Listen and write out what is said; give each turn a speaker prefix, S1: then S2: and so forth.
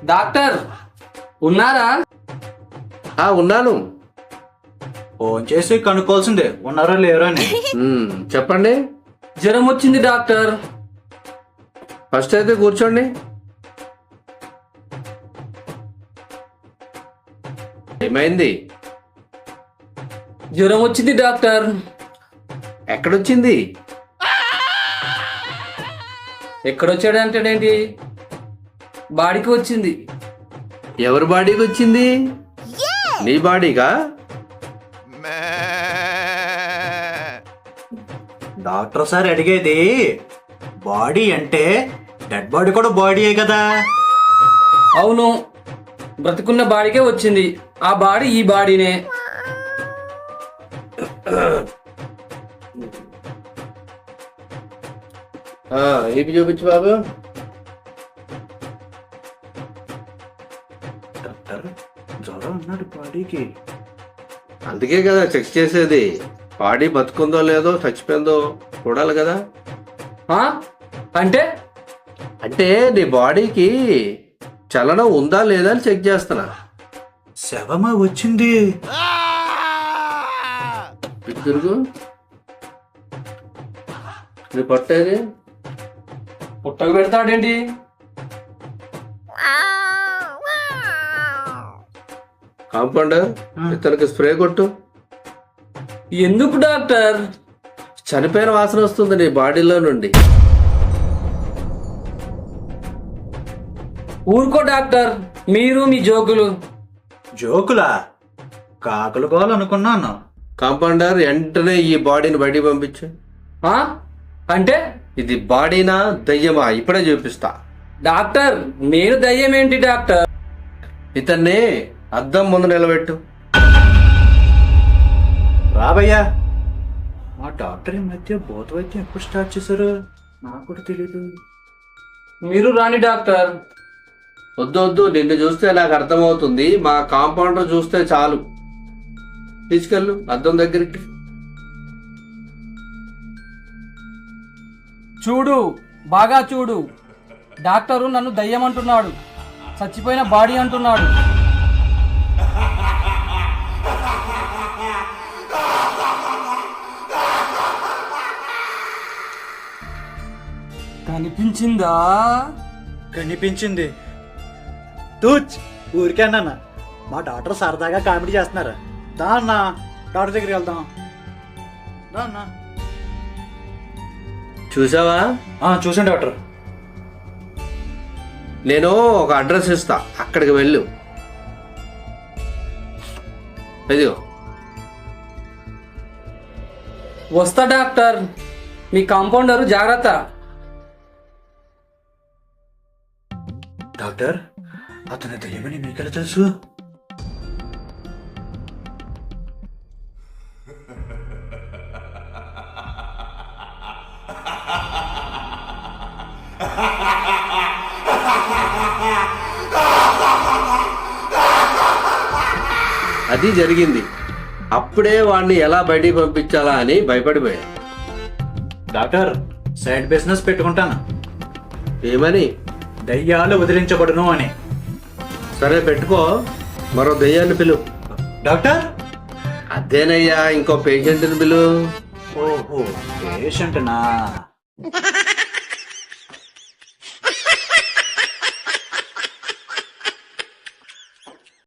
S1: Doctor ఉన్నారా?
S2: ఉన్నాను.
S3: Phone చేసి కనుక్కోవాల్సిందే ఉన్నారా లేరా అని.
S2: చెప్పండి.
S1: జ్వరం వచ్చింది డాక్టర్.
S2: ఫస్ట్ అయితే కూర్చోండి. ఏమైంది?
S1: జ్వరం వచ్చింది డాక్టర్.
S2: ఎక్కడొచ్చింది?
S1: ఎక్కడొచ్చాడంటాడేంటి? బాడీకి వచ్చింది.
S2: ఎవరి బాడీకి వచ్చింది? నీ బాడీగా?
S3: డాక్టర్ సార్ అడిగేది బాడీ అంటే డెడ్ బాడీ కూడా బాడీయే కదా.
S1: అవును, బ్రతికున్న బాడీకే వచ్చింది. ఆ బాడీ ఈ బాడీనే.
S2: ఏపీ చూపించు బాబు.
S3: డాక్టర్ జ్వరం అన్నాడు బాడీకి.
S2: అందుకే కదా చెక్ చేసేది. బాడీ బతుకుందో లేదో చచ్చిపోయిందో చూడాలి కదా.
S1: అంటే
S2: అంటే నీ బాడీకి చలనం ఉందా లేదా అని చెక్ చేస్తున్నా.
S3: శవమా వచ్చింది.
S2: ఇటు తిరుగు. నీ పట్టేది
S1: పుట్టకు పెడతాడేంటి?
S2: కాంపౌండర్, ఇతనికి స్ప్రే కొట్టు.
S1: ఎందుకు డాక్టర్?
S2: చనిపోయిన వాసన వస్తుంది నీ బాడీలో నుండి.
S1: ఊరుకో డాక్టర్, మీరు మీ జోకులు.
S3: జోకులా? కాకులు కోవాలనుకున్నాను.
S2: కాంపౌండర్, వెంటనే ఈ బాడీని బయటికి పంపించు.
S1: అంటే
S2: ఇది బాడీనా దయ్యమా ఇప్పుడే చూపిస్తా.
S1: డాక్టర్, నేను దయ్యం ఏంటి డాక్టర్?
S2: ఇతన్ని అద్దం ముందు నిలబెట్టు.
S3: రాబయ్యా. మా డాక్టర్ ఈ మధ్య భూత వైద్యం ఎప్పుడు స్టార్ట్ చేశారు నాకు కూడా తెలీదు.
S1: మీరు రాని డాక్టర్.
S2: వద్దు, నిన్ను చూస్తే నాకు అర్థమవుతుంది. మా కాంపౌండర్ చూస్తే చాలు. తీసుకెళ్ళు అద్దం దగ్గరికి.
S1: చూడు, బాగా చూడు. డాక్టరు నన్ను దయ్యం అంటున్నాడు, చచ్చిపోయిన బాడీ అంటున్నాడు. కనిపించిందా?
S3: కనిపించింది. తూచ్, ఊరికే అన్నా. మా డాక్టర్ సరదాగా కామెడీ చేస్తున్నారు. దా అన్నా, డాక్టర్ దగ్గరికి వెళ్దాం. దా అన్నా.
S2: చూసావా?
S3: చూసాను డాక్టర్.
S2: నేను ఒక అడ్రస్ ఇస్తా, అక్కడికి వెళ్ళు. ఇదిగో.
S1: వస్తా డాక్టర్. మీ కాంపౌండరు జాగ్రత్త.
S3: డాక్టర్, అతని దయ్యమని మీకెలా తెలుసు?
S2: అది జరిగింది. అప్పుడే వాడిని ఎలా బయటికి పంపించాలా అని భయపడిపోయా.
S3: డాక్టర్, సైడ్ బిజినెస్ పెట్టుకుంటాను.
S2: ఏమని?
S3: దయ్యాలు వదిలించబడును అని.
S2: సరే పెట్టుకో. మరో దయ్యాన్ని పిలు.
S3: డాక్టర్,
S2: అదేనయ్యా, ఇంకో పేషెంట్ని పిలు.
S3: ఓహో, పేషెంట్నా?